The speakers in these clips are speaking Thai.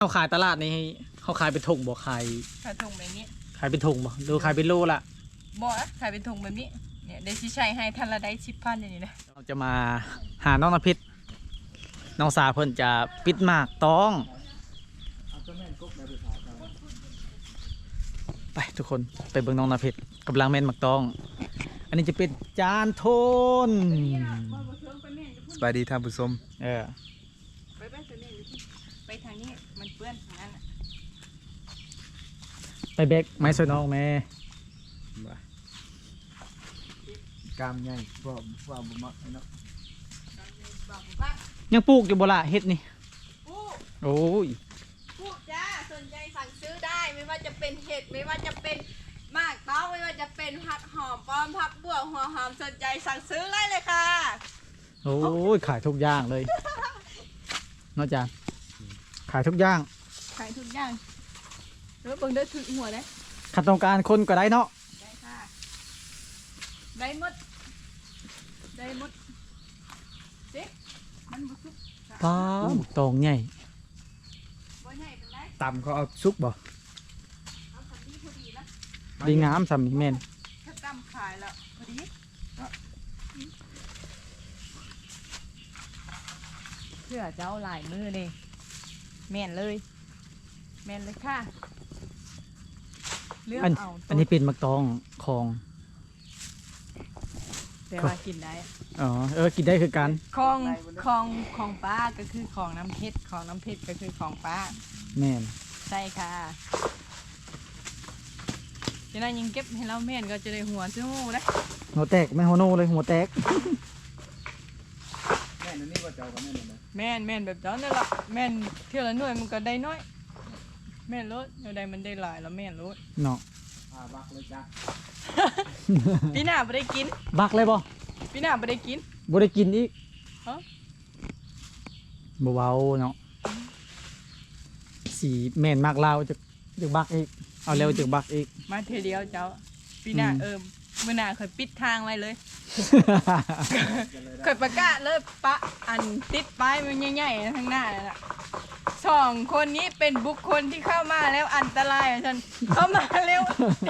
เขาขายตลาดนี่เขาขายเป็นถุงบ่ขายถุงแบบนี้ขายเป็นถุงบ่ดูขายเป็นโลละบ่ขายเป็นถุงแบบนี้เนี่ยได้ชิชัยให้ทันละได้10,000อย่างนี้นะเราจะมาหาน้องนภิษน้องสาเพิ่นจะปิดหมากต้องไปทุกคนไปเบิ่งน้องนภิษกำลังแม่นหมากต้องอันนี้จะเป็นจานโทนสบายดีท่านผู้ชมไปทางนี้มันเปื้อนทางนั้นไปเบกไม้สวยน้องแม่กามใหญ่บ่มักเนาะยังปลูกอยู่บ่ล่ะเฮ็ดนี่โอ้ยปลูกจ้าสนใจสั่งซื้อได้ไม่ว่าจะเป็นเห็ดไม่ว่าจะเป็นหมากเต้าไม่ว่าจะเป็นผักหอมป้อมผักบัวหัวหอมสนใจสั่งซื้อเลยค่ะโอ้ยขายทุกอย่างเลยนอกจากขายทุกอย่างแล้วเบิ่งได้ถึงหัวเลยขัดต้องการคนก็ได้เนาะได้ค่ะได้หมดสิมันบุกป้าตองใหญ่ตำเขาเอาซุกบ่ดีงามสำนีแม่นถ้าตำขายแล้วพอดีเพื่อเจ้าหลายมือเลยแม่นเลยค่ะเลือกเอาอันนี้เป็นหมากตองของแต่ว่ากินได้อ๋อกินได้คือกันของป้าก็คือของน้ำเพชรก็คือของป้าแม่นใช่ค่ะจะได้ยิงเก็บให้เราแม่นก็จะได้หัวซื้อหูนะหัวแตกไม่หัวโนเลยหัวแตกแม่นนี่ว่าเจ้าก็แม่นเลยแม่นแบบเจ้านั่นแหละแม่นเที่ยวละหน่วยมันก็ได้น้อยแม่นรถเดี๋ยวใดมันได้หลายแล้วแม่นรถเนาะบักเลยจ้ะปีหน้าไม่ได้กินบักเลยบ่ปีหน้าไม่ได้กินบ่ได้กินอีกบ่เบาเนาะสีแม่นมากเราจะบักอีกเอาเร็วจะบักอีกมาเทเดียวเจ้าปีหน้าเมื่อหน้าเคยปิดทางไว้เลยเคยประกาศเลยปะอันติดป้ายมันใหญ่ๆข้างหน้านั่นแหละ2 คนนี้เป็นบุคคลที่เข้ามาแล้วอันตรายฉันเข้ามาเร็ว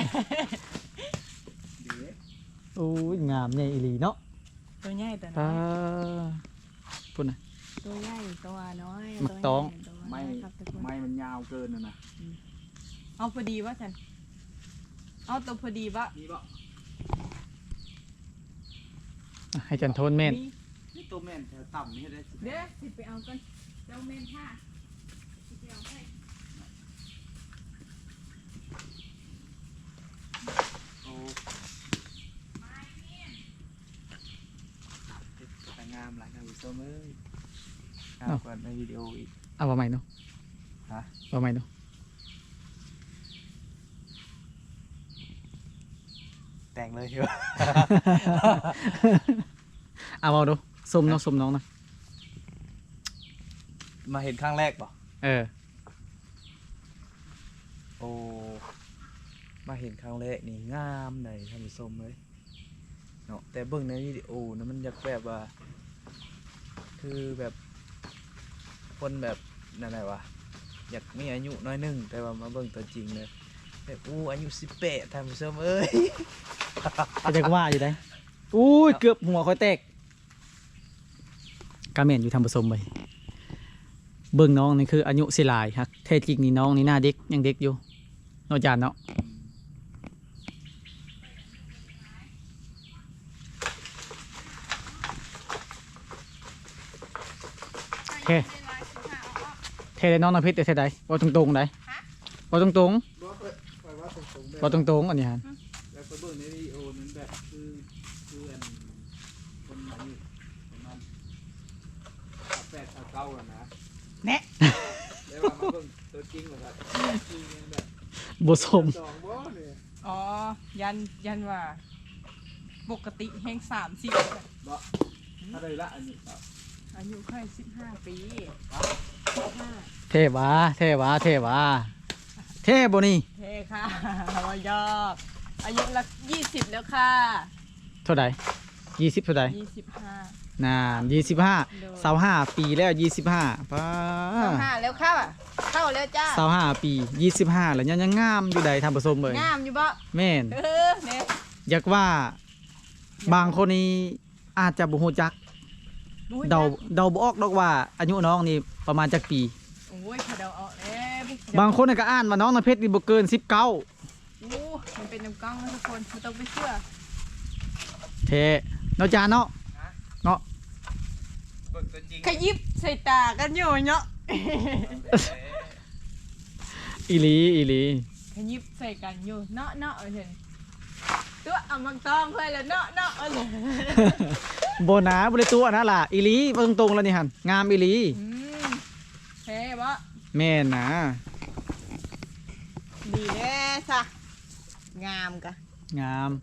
โอ้ยงามใหญ่อีหลีเนาะตัวใหญ่ตัวน้อยพูดนะตัวใหญ่ตัวน้อยมักต้องไม้มันยาวเกินนะเอาพอดีวะฉันเอาตัวพอดีวะให้จันโทนแม่นนี่ตัวแม่นแถวต่ำนี่ได้เดี๋ยวสิไปเอากันเจ้าแม่นค่ะไปเอาให้โอ้แต่งามหลายนะผู้ชมเอ้ยงามกว่าในวิดีโออีกเอาว่าใหม่เนาะว่าใหม่เนาะแต่งเลยเถอะเอาดูสมน้องนะมาเห็นครั้งแรกป่ะโอ้มาเห็นครั้งแรกนี่งามเลยท่านผู้ชมเลยเนาะแต่เบิ่งในวิดีโอนะมันอยากแบบว่าคือแบบคนแบบนั่นแหละวะอยากมีอายุน้อยนึงแต่ว่ามาเบิ่งตัวจริงเลยแบบอายุ18ท่านผู้ชมเอ้ยจะว่าอยู่ได้อุ้ยเกือบหัวค่อยแตกกาเมนอยู่ทำผสมไปเบิ่งน้องนี่คืออายุสิหลายครับแท้จริงนี่น้องนี่หน้าเด็กยังเด็กอยู่นอกจากเนาะโอเคเทได้น้องน้ำเพชรเทได้ว่าตรงๆได้ว่าตรงอันนี้ฮะแล้วก็เบิ่งในวิดีโอนั้นแบบคืออันคนอายุประมาณ8-9แล้วนะแน่แล้วมาเบิ่งตัวจริงเหรอครับจริงแบบบสมอ๋อยันว่าปกติแห่ง30 บ่อะไรละอายุแค่15 ปีเทวาเทบ่นี่เทค่ะว่ายอกอายุละ20แล้วค่ะเท่าไหร่20เท่าไหร่ 25 น่า25 25ปีแล้ว25ป้า 25แล้วเข้าอ่ะเข้าแล้วจ้า 25ปี25แล้วยังงามอยู่ใดท่านผู้ชมเอ้ยงามอยู่บ่แม่นเนี่ยอยากว่าบางคนนี่อาจจะบ่ฮู้จักเดาบ่ออกดอกว่าอายุน้องนี่ประมาณจักปีโอ้ยเขาเดาเอาแล้วบางคนน่ะก็อ่านว่าน้องน้ำเพชรนี่บ่เกิน19 โอ้มันเป็นน้ำกล้องนะทุกคนไม่ต้องไปเชื่อแท้เนาะจานเนาะเนาะเบิ่งตัวจริงขยิบใส่ตากันอยู่เนาะอีหลีอีหลีขยิบใส่กันอยู่เนาะเนาะเห็นตัวเอามังตองเพื่อนแล้วเนาะเนาะเลยโบนาบ่ได้ตัวนะล่ะอีหลีเบิ่งตรงๆแล้วนี่หั่นงามอีหลีเฮ้บ่แม่นนะดีแน่ซะงามกะงาม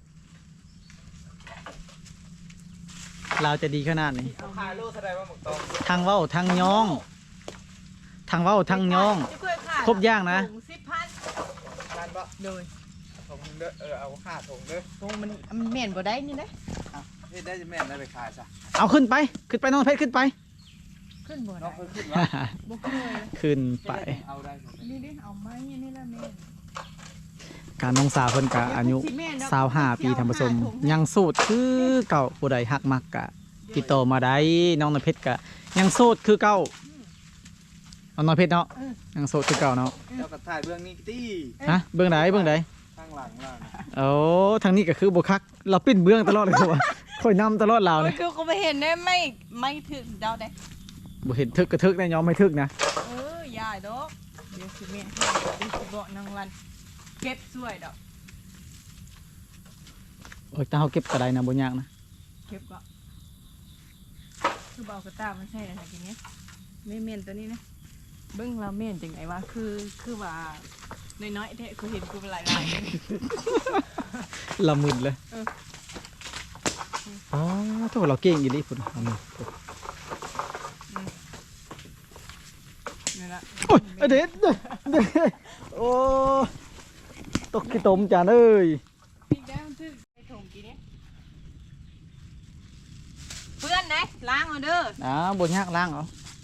เราจะดีขนาดนี้ขายโลเท่าไหร่ว่าหมกตองทางเว้าทางย่องทางเว้าทางย่อง ครบอย่างนะถุง10,000 ทานบ่โดยถงเด้อเอาค่าถงเด้อถุงมันเหม็นบ่ได้นี่นะเอาเฮ็ดได้จะแม่นได้ไปขายซะเอาขึ้นไปน้องเพชรขึ้นไปขึ้นบ่น้อได้งเพิ่นขึ้นว่าบ่เคยขึ้นไปเอาได้หมดเลยนี่ดิเอาไม้นี่ละแม่การน้องสาวเพิ่นกะอายุ25ปีท่านผู้ชมยังโสดคือเก่าผู้ใดฮักมักกะติดต่อมาได้น้องน้ำเพชรกะยังโสดคือเก่าเอาน้องเพชรเนาะยังโสดคือเก่าเนาะเจ้าก็ถ่ายเบื้องนี้ติฮะเบื้องไหนข้างหลังล่ะโอ้ทางนี้ก็คือบ่คักเราปิ้นเบื้องตลอดเลยครับว่าคอยนำตลอดเราโอ้เนี่ย ยคือกูไปเห็นได้ไม่ถึงเดาได้บ่เห็นทึกกระทึกได้ยอมไม่ทึกนะอย่าดอกเดี๋ยวสิแม่ให้เดี๋ยวสิบอกนางวันเก็บสวยดอกโอ้ยถ้าเฮาเก็บกระไดนะบ่ยากนะเก็บก็คือเบากระตามันใช่อะไรทีนี้ไม่เมนตัวนี้นะเบิ้งเราเมนจังไงวะคือว่าน้อยๆแท้กูเห็นกูเป็นหลายๆเลยละมึนเลยเอออ๋อถ้าว่าเราเก่งอยู่ดิพุ่นเอามือนี่ละโอ้ยเด็ดโอ้ตกขี้ตมจานเอ้ยพี่แก้วทึ่ไอ้ถุงกี่นี้เพื่อนไหนล้างเอาเด้อบ่ยากล้างเอา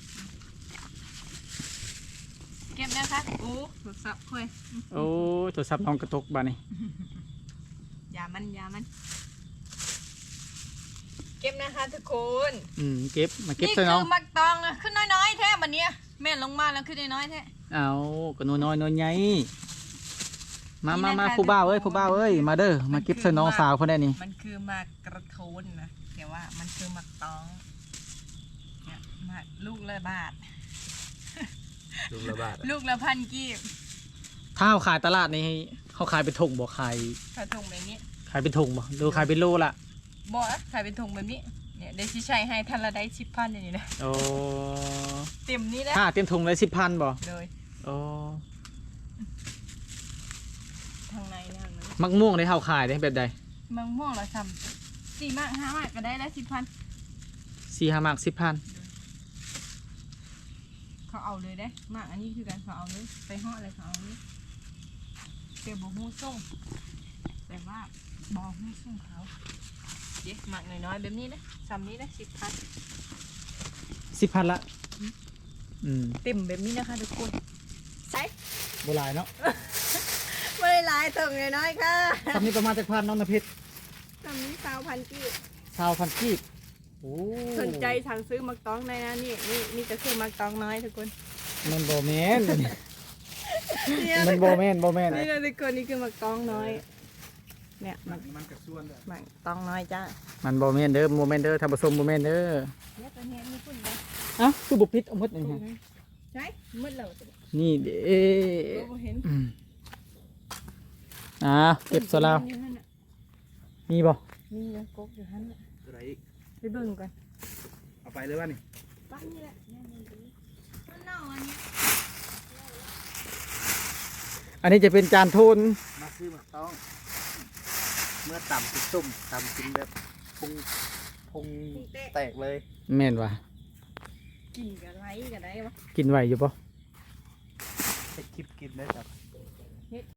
เก็บนะคะโอ้โทรศัพท์คุยโอ้ยโทรศัพท์น้องกระตกบาดนี้อย่ามันเก็บนะคะทุกคนเก็บมาเก็บนี่ใส่คืน้องอมักตองนะขึ้นน้อยๆแท้บัดเนี้ยแม่นลงมาแล้วขึ้นน้อยๆแท้เอาก็น้อยๆใหญ่มานี่นะคะผู้บ่าวเอ้ยมาเด้อมาเก็บใส่น้องสาวคนได้นี่มันคือมากกระโทนนะแต่ว่ามันคือมักตองเนี่ยมาลูกละบาทลูกละบาทลูกละพันกีบถ้าเขาขายตลาดนี่เขาขายเป็นถุงบ่ขายขายถุงแบบนี้ขายเป็นถุงบ่หรือขายเป็นโลละบอกนะขายเป็นถุงแบบนี้เนี่ยได้ชิชัยให้ทันละได้10,000อย่างนี้นะโอ้เต็มนี้แหละถ้าเต็มถุงเลย10,000บ่เลยโอ้ทางในเนี่ยทางนั้นมักม่วงได้เขาขายได้แบบใดมะม่วงละซ้ำ4 มาก 5 มากก็ได้แล้ว10,000 4-5 มาก10,000 เขาเอาเลยได้มากอันนี้คือการเขาเอาเลยไปห่ออะไรเขาเอาเลยเดี๋ยวบอกหูส่งแต่ว่าบอกหูส่งเขาเย้มากน้อยๆแบบนี้นะซ้ำนี้นะ10,000 10,000ละเต็มแบบนี้นะคะทุกคนใช่บ่หลายเนาะไม่ได้ลายถึงน้อยๆค่ะตอนนี้ประมาณจักพันน้องนภิษซ้ำนี้20,000กีบ 20,000กีบโอ้สนใจสั่งซื้อมักตองได้นะนี่จะซื้อมักตองน้อยทุกคนมันบ่แม่นมันบ่แม่นนี่นะทุกคนนี่คือมักตองน้อยเนี่ยมักมันกระส่วนเด้อมักตองน้อยจ้ามันบ่แม่นเด้อบ่แม่นเด้อถ้าผสมบ่แม่นเด้อเนี่ยตัวนี้มีคุณเลยอ่ะคือบ่ผิดเอาหมดนี่ฮะใช่มืดแล้วนี่เด้เราเห็นเก็บซะแล้วมีบ่มีนะกกอยู่ฮั่นน่ะอะไรอีกไปเบิ่งกันเอาไปเลยว่านี่ปั้นนี่แหละมันเน่าอันนี้อันนี้จะเป็นจานโทนมาซื้อหมักต้อง เมื่อต่ำกินส้มต่ำกินแบบพุงแตกเลยแม่นว่ะกินกับไรกับได้ปะกินไหวอยู่บ่ให้คลิปกินได้ครับ